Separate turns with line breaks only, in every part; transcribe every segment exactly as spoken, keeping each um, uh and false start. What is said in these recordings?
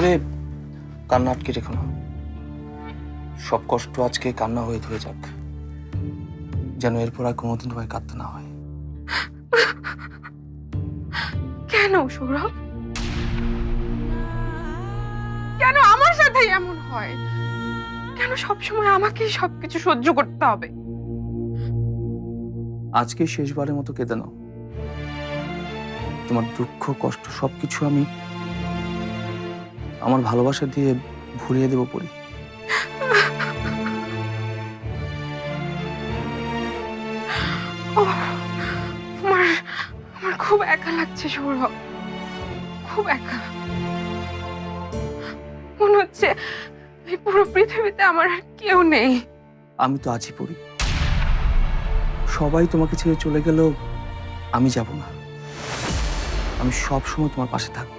করে কান্না আটকে রেখো না। সব কষ্ট আজকে কান্না হয়ে ধরে যাক, যেন এরপর আর কোনোদিন তোমায় কাঁদতে না হয়।
কেন সৌরভ, কেন আমার সাথে এমন হয়? কেন সবসময় আমাকেই সবকিছু সহ্য করতে হবে?
আজকে শেষবারের মতো কেঁদে নাও। তোমার দুঃখ কষ্ট সবকিছু আমি আমার ভালোবাসা দিয়ে ভুলিয়ে দেব পরি।
আমার আমার খুব একা লাগছে সৌরভ, খুব একা। মনে হচ্ছে এই পুরো পৃথিবীতে আমার আর কেউ নেই।
আমি তো আছি পরি, সবাই তোমাকে ছেড়ে চলে গেলেও আমি যাব না। আমি সব সময় তোমার পাশে থাকব।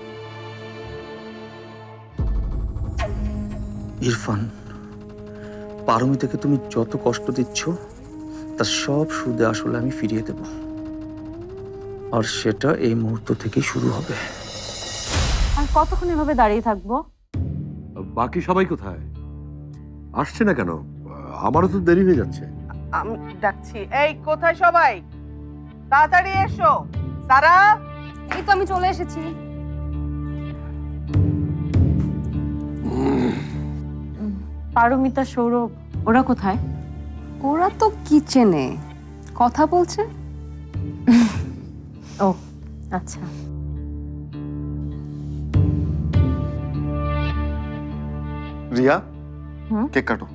ইরফান, পারমিতাকে তুমি যত কষ্ট দিচ্ছ তার সব সুদে আসলে আমি ফিরিয়ে দেব, আর সেটা এই মুহূর্ত থেকেই শুরু হবে।
আর কতক্ষণ এভাবে দাঁড়িয়ে থাকবো?
বাকি সবাই কোথায়? আসছে না কেন? আমারও তো দেরি হয়ে যাচ্ছে।
আমি ডাকছি, এই কোথায় সবাই? তাড়াতাড়ি এসো। সারা,
এই তো আমি চলে এসেছি। পারমিতা, সৌরভ ওরা কোথায়?
ওরা তো কিচেনে কথা বলছে।
ও আচ্ছা।
রিয়া,
হুম?
কেক কাটো।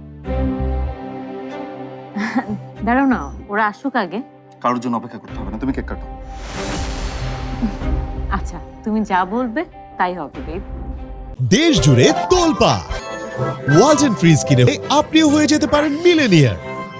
দাঁড়াও না, ওরা আসুক আগে।
কারোর জন্য অপেক্ষা করতে হবে না, তুমি কেক কাটো।
আচ্ছা, তুমি যা বলবে তাই হবে বেব।
দেশ জুড়ে তোলপা ওয়ালটন ফ্রিজ কিনে আপনিও হয়ে যেতে পারেন মিলেনিয়ার।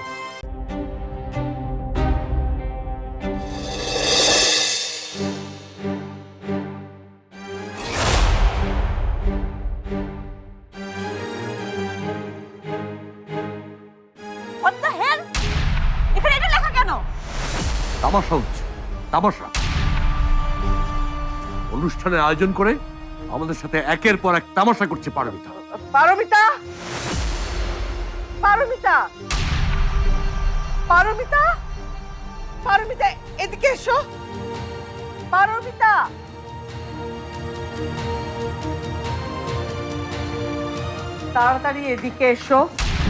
What the hell? এখানে এটা লেখা কেন?
তামাশা হচ্ছে, তামাশা। অনুষ্ঠানের আয়োজন করে আমাদের সাথে একের পর এক তামাশা করছে পারমিতা।
পারমিতা, পারমিতা, পারমিতা, পারমিতা, এদিকে এসো। পারমিতা, তাড়াতাড়ি এদিকে এসো।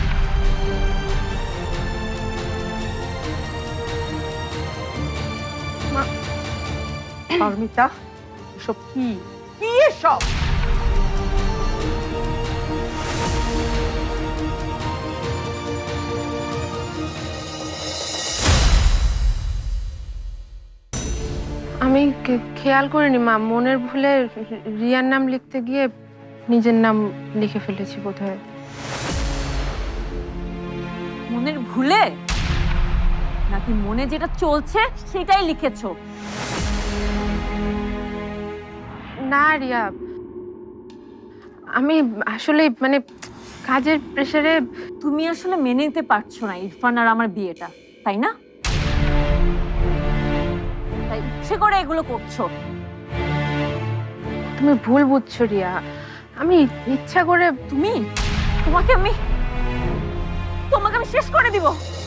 পারমিতা, এসব কি? কি এসব?
আমি কে- খেয়াল করিনি মা, মনের ভুলে রিয়ার নাম লিখতে গিয়ে নিজের নাম লিখে ফেলেছি বোধহয়।
মনের ভুলে নাকি মনে যেটা চলছে সেটাই লিখেছো?
না রিয়া, আমি আসলে মানে কাজের প্রেসারে।
তুমি আসলে মেনে নিতে পারছো না ইরফান আর আমার বিয়েটা, তাই না? তাই ইচ্ছে করে এগুলো করছো।
তুমি ভুল বুঝছো রিয়া, আমি ইচ্ছা করে।
তুমি তোমাকে আমি তোমাকে আমি শেষ করে দিব।